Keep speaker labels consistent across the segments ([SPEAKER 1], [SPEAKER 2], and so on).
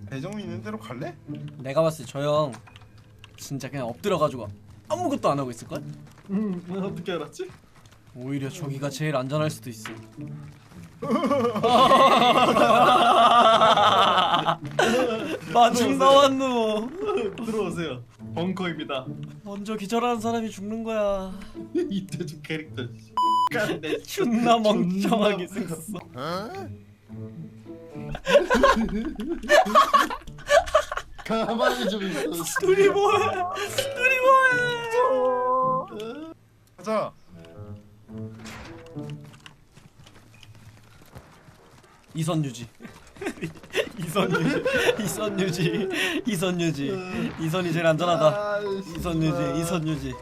[SPEAKER 1] 배정이 있는 대로 갈래?
[SPEAKER 2] 내가 봤을 때 저 형 진짜 그냥 엎드려가지고 아무것도 안 하고 있을걸?
[SPEAKER 3] 어떻게 알았지?
[SPEAKER 2] 오히려 저기가 제일 안전할 수도 있어. 마중 나왔노.
[SPEAKER 3] 들어오세요. 벙커입니다.
[SPEAKER 2] 먼저 기절하는 사람이 죽는 거야.
[SPEAKER 3] 이태준 캐릭터. 깐내
[SPEAKER 2] 존나 멍청하게 생겼어.
[SPEAKER 3] 가만히 좀 있어.
[SPEAKER 2] 둘이 뭐해? 둘이 뭐해?
[SPEAKER 1] 가자.
[SPEAKER 2] 이선 유지. 이선 유지. 이선 유지. 이선 유지. 이선이 제일 안전하다. 이선 유지. 이선 유지.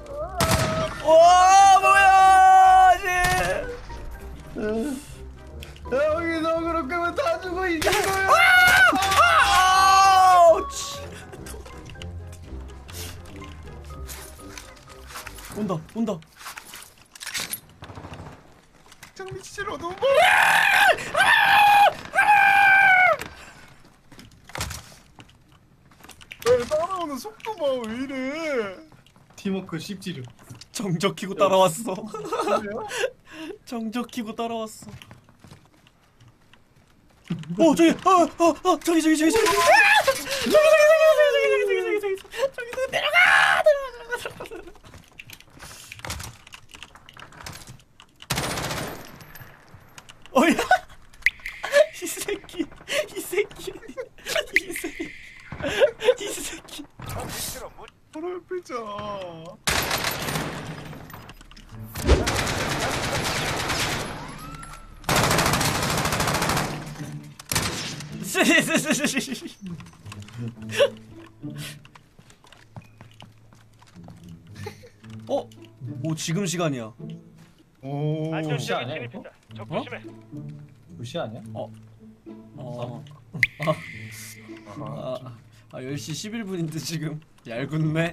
[SPEAKER 2] 와 뭐야? 씨.
[SPEAKER 3] 여기서 그렇게 하면 다 죽어 이긴 거야.
[SPEAKER 2] 아우치. 온다 온다.
[SPEAKER 1] 장미 치질 어두운 거. 왜 따라오는 속도 봐 왜 이래?
[SPEAKER 3] 팀워크 씹지르.
[SPEAKER 2] 정적 키고 따라왔어.
[SPEAKER 1] 그래요?
[SPEAKER 2] 정적 키고 따라왔어. 저기 저기 내려가 어야 이 새끼
[SPEAKER 1] 바로 옆에 있잖아.
[SPEAKER 2] 오 지금 시간이야.
[SPEAKER 1] 오.
[SPEAKER 3] 무시 아니야,
[SPEAKER 4] 안전지역에
[SPEAKER 3] 이거?
[SPEAKER 4] 진입했다. 적 조심해.
[SPEAKER 3] 무시 아니야?
[SPEAKER 2] 10시 11분인데 지금 얄궂네.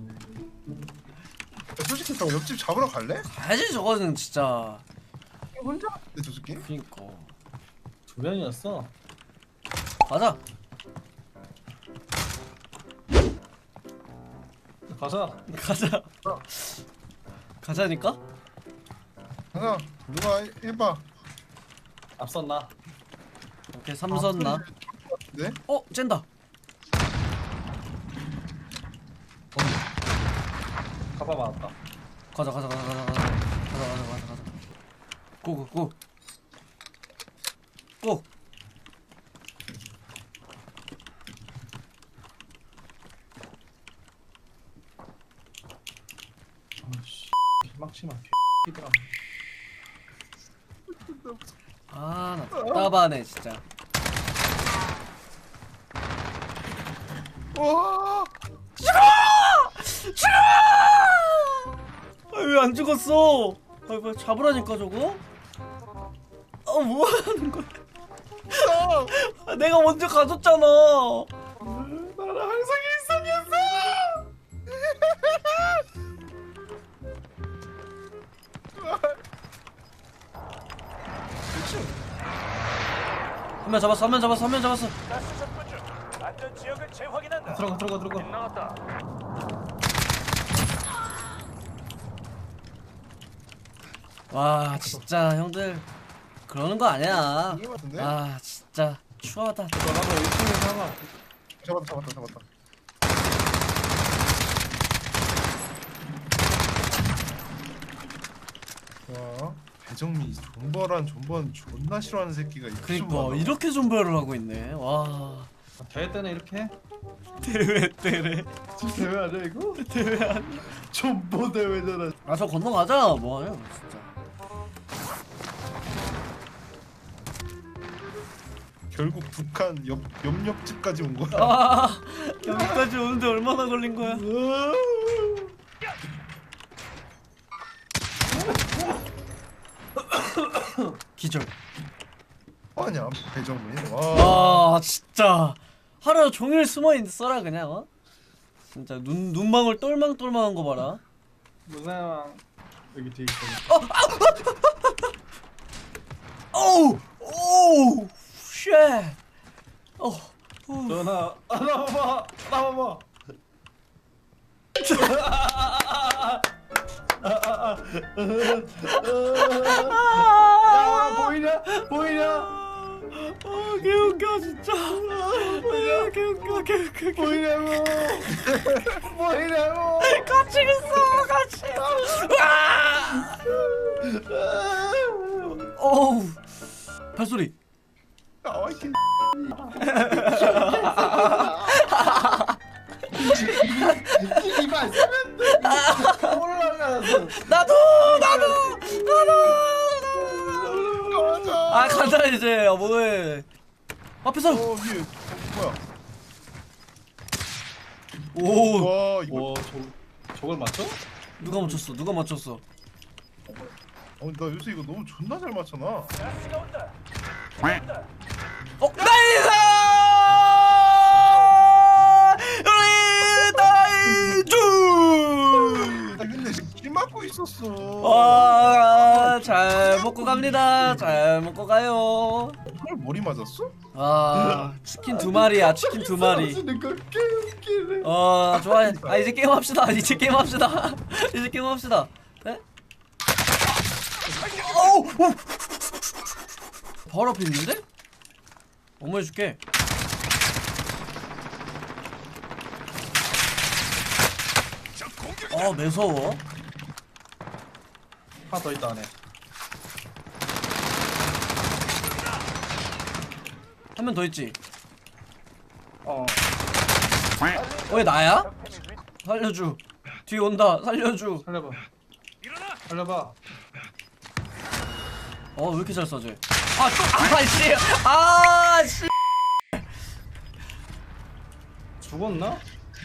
[SPEAKER 1] 솔직히 저 옆집 잡으러 갈래?
[SPEAKER 2] 가야지 저거는 진짜.
[SPEAKER 1] 혼자? 내 저 새끼?
[SPEAKER 2] 그니까
[SPEAKER 3] 두 명이었어.
[SPEAKER 2] 가자.
[SPEAKER 3] 가자.
[SPEAKER 2] 가자니까?
[SPEAKER 1] 가자. 누가 해봐.
[SPEAKER 3] 앞섰나?
[SPEAKER 2] 오케이 삼선 나.
[SPEAKER 1] 네?
[SPEAKER 2] 쨘다.
[SPEAKER 3] 가봐 맞았다.
[SPEAKER 2] 가자. 고.
[SPEAKER 3] 아씨 막치마 개이더라.
[SPEAKER 2] 나 답답하네 진짜.
[SPEAKER 1] 와.
[SPEAKER 2] 왜 안 죽었어? 뭐 잡으라니까 저거? 뭐 하는 거야? 내가 먼저 가줬잖아.
[SPEAKER 1] 나랑 항상 일상이었어.
[SPEAKER 2] 한 명 잡았어.
[SPEAKER 4] 가스 접근 중. 안전지역을 재확인한다.
[SPEAKER 3] 들어가.
[SPEAKER 4] 나왔다.
[SPEAKER 2] 와 진짜 형들 그러는 거 아니야.
[SPEAKER 1] 이게 맞는데?
[SPEAKER 2] 아 진짜 추하다.
[SPEAKER 3] 나도 1층에서 하나.
[SPEAKER 1] 잡았다. 와. 배정미 존버란 존버는 존나 싫어하는 새끼가 있어.
[SPEAKER 2] 그니까 이렇게 존버를 하고 있네. 와
[SPEAKER 3] 대회 때는 이렇게 해?
[SPEAKER 2] 대회 때래.
[SPEAKER 3] 지금 대회 아니야 이거?
[SPEAKER 2] 대회 아니야.
[SPEAKER 3] 전보 대회잖아.
[SPEAKER 2] 저 건너가자. 뭐하냐 진짜.
[SPEAKER 1] 결국 북한 옆집까지 온 거야.
[SPEAKER 2] 여기까지 오는데 얼마나 걸린 거야? 기절.
[SPEAKER 1] 아니야 배정미. 와.
[SPEAKER 2] 진짜 하루 종일 숨어 있어라 그냥. 진짜 눈망울 똘망똘망한 거 봐라.
[SPEAKER 3] 무사왕 여기 뒤에 있어.
[SPEAKER 2] 오우 쉣.
[SPEAKER 3] 저
[SPEAKER 2] 개웃겨 진짜. 개웃겨.
[SPEAKER 3] 뭐이라고 뭐이라고
[SPEAKER 2] 같이 있어 같이. 어우 발소리.
[SPEAKER 1] 나와 이
[SPEAKER 3] 이발 세면대 올라가서
[SPEAKER 2] 나도. 아 간다 이제. 뭐해? 앞에서.
[SPEAKER 1] 위에 뭐야?
[SPEAKER 2] 오.
[SPEAKER 1] 와 이거
[SPEAKER 3] 와 저걸 맞춰?
[SPEAKER 2] 누가 맞췄어?
[SPEAKER 1] 나 요새 이거 너무 존나 잘 맞춰놔.
[SPEAKER 4] 가스가 온다.
[SPEAKER 2] 나이스! 나이스!
[SPEAKER 1] 아 근데 길 막고 있었어.
[SPEAKER 2] 와, 잘 먹고 갑니다. 잘 먹고 가요.
[SPEAKER 1] 헐 머리 맞았어?
[SPEAKER 2] 아, 치킨 2마리야. 치킨 2마리.
[SPEAKER 3] 쓰니까 개웃기네.
[SPEAKER 2] 좋아요. 아, 이제 게임합시다. 이제 게임합시다. 네? 어우! 바로 앞에 있는데? 어머 해줄게. 매서워.
[SPEAKER 3] 하나 더 있다 안에.
[SPEAKER 2] 한 명 더 있지?
[SPEAKER 3] 어
[SPEAKER 2] 왜 나야? 살려줘. 뒤에 온다. 살려줘.
[SPEAKER 3] 살려봐.
[SPEAKER 4] 일어나.
[SPEAKER 3] 살려봐.
[SPEAKER 2] 왜 이렇게 잘 쏴줘? 씨.
[SPEAKER 3] 죽었나?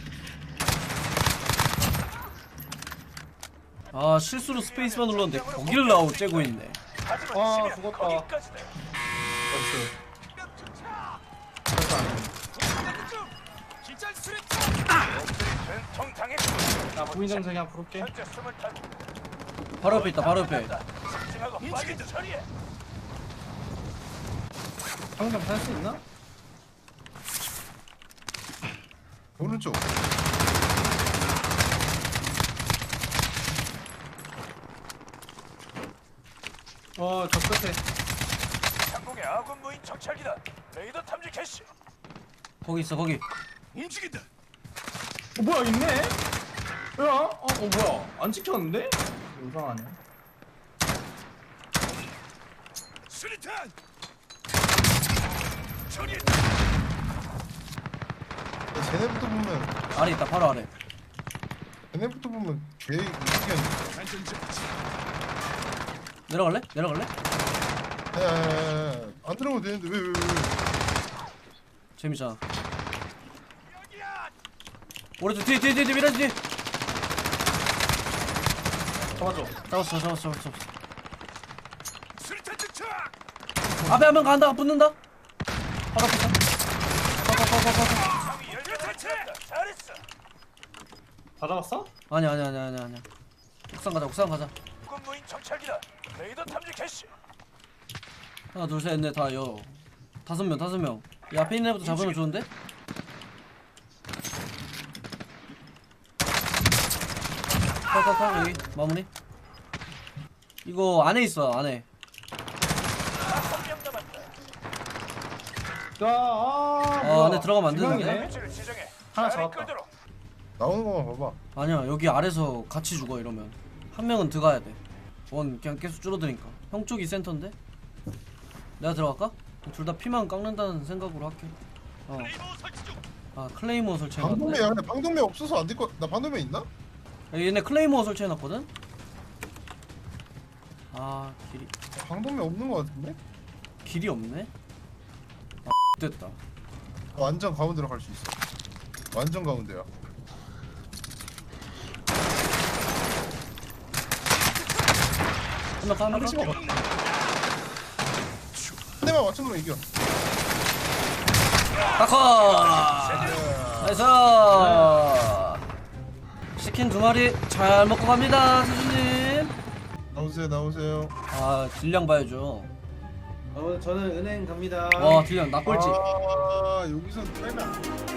[SPEAKER 2] 실수로 스페이스만 눌렀는데 거기를 째고 있네.
[SPEAKER 4] 하지만
[SPEAKER 3] 와,
[SPEAKER 4] 지면
[SPEAKER 3] 죽었다.
[SPEAKER 4] 거기까지다.
[SPEAKER 3] 나이스.
[SPEAKER 4] 된통 당했고.
[SPEAKER 3] 나 부인정상이 한 부를게.
[SPEAKER 4] 현재 25.
[SPEAKER 2] 바로 옆에 있다. 바로 옆에.
[SPEAKER 4] 집중하고 빨리 처리해.
[SPEAKER 3] 상점 살 수 있나?
[SPEAKER 1] 오른쪽.
[SPEAKER 3] 저 끝에.
[SPEAKER 4] 상공의 아군 무인 정찰기다. 레이더 탐지 캐시.
[SPEAKER 2] 거기 있어. 거기.
[SPEAKER 4] 움직인다.
[SPEAKER 3] 뭐야 있네? 야, 뭐야? 안 찍혔는데? 이상하네.
[SPEAKER 4] 수리탄. 처리해.
[SPEAKER 1] 쟤네부터 보면
[SPEAKER 2] 아래 있다. 바로 아래.
[SPEAKER 1] 쟤네부터 보면 개 이기한.
[SPEAKER 2] 내려갈래?
[SPEAKER 1] 안 들어가도 되는데 왜?
[SPEAKER 2] 재밌잖아. 오른쪽 뒤에 미라지 뒤에.
[SPEAKER 3] 잡아줘.
[SPEAKER 2] 잡았어.
[SPEAKER 4] 수리탄 투척.
[SPEAKER 2] 앞에 한 명 간다. 붙는다. 바로 앞에 있다.
[SPEAKER 4] 상위 열려 대체. 잘했어.
[SPEAKER 3] 다 잡았어?
[SPEAKER 2] 아니야. 옥상 가자.
[SPEAKER 4] 아군 무인 정찰기다. 레이더 탐지 캐시.
[SPEAKER 2] 하나 둘 셋 넷 다 5명. 이 앞에 있는 애부터 잡으면 좋은데? 여기 마무리. 이거 안에 있어. 안에.
[SPEAKER 4] 3명 남았다.
[SPEAKER 2] 안에 들어가면 안 되는데?
[SPEAKER 3] 지명이네?
[SPEAKER 4] 위치를 지정해.
[SPEAKER 3] 하나
[SPEAKER 4] 잘
[SPEAKER 3] 잡았다.
[SPEAKER 4] 끌도록.
[SPEAKER 1] 나오는 거만 봐봐.
[SPEAKER 2] 아니야. 여기 아래서 같이 죽어 이러면. 한 명은 들어가야 돼. 그냥 계속 줄어드니까. 형 쪽이 센터인데? 내가 들어갈까? 둘 다 피만 깎는다는 생각으로 할게. 클레이모어 설치해놨네.
[SPEAKER 1] 방독면 근데 방독면 없어서 안 될 거. 나 방독면 있나?
[SPEAKER 2] 얘네 클레이모어 설치해놨거든?
[SPEAKER 1] 방독면 없는 거 같은데?
[SPEAKER 2] 길이 없네? 됐다.
[SPEAKER 1] 완전 가운데로 갈 수 있어. 완전 가운데야.
[SPEAKER 2] 한명
[SPEAKER 1] 한 대만 맞춘 거 이겨.
[SPEAKER 2] 다커! 나이스! 치킨 2마리 잘 먹고 갑니다, 수준님.
[SPEAKER 1] 나오세요.
[SPEAKER 2] 딜량 봐야죠.
[SPEAKER 3] 저는 은행 갑니다.
[SPEAKER 2] 와, 딜량 나 꼴찌.
[SPEAKER 1] 여기서 빼면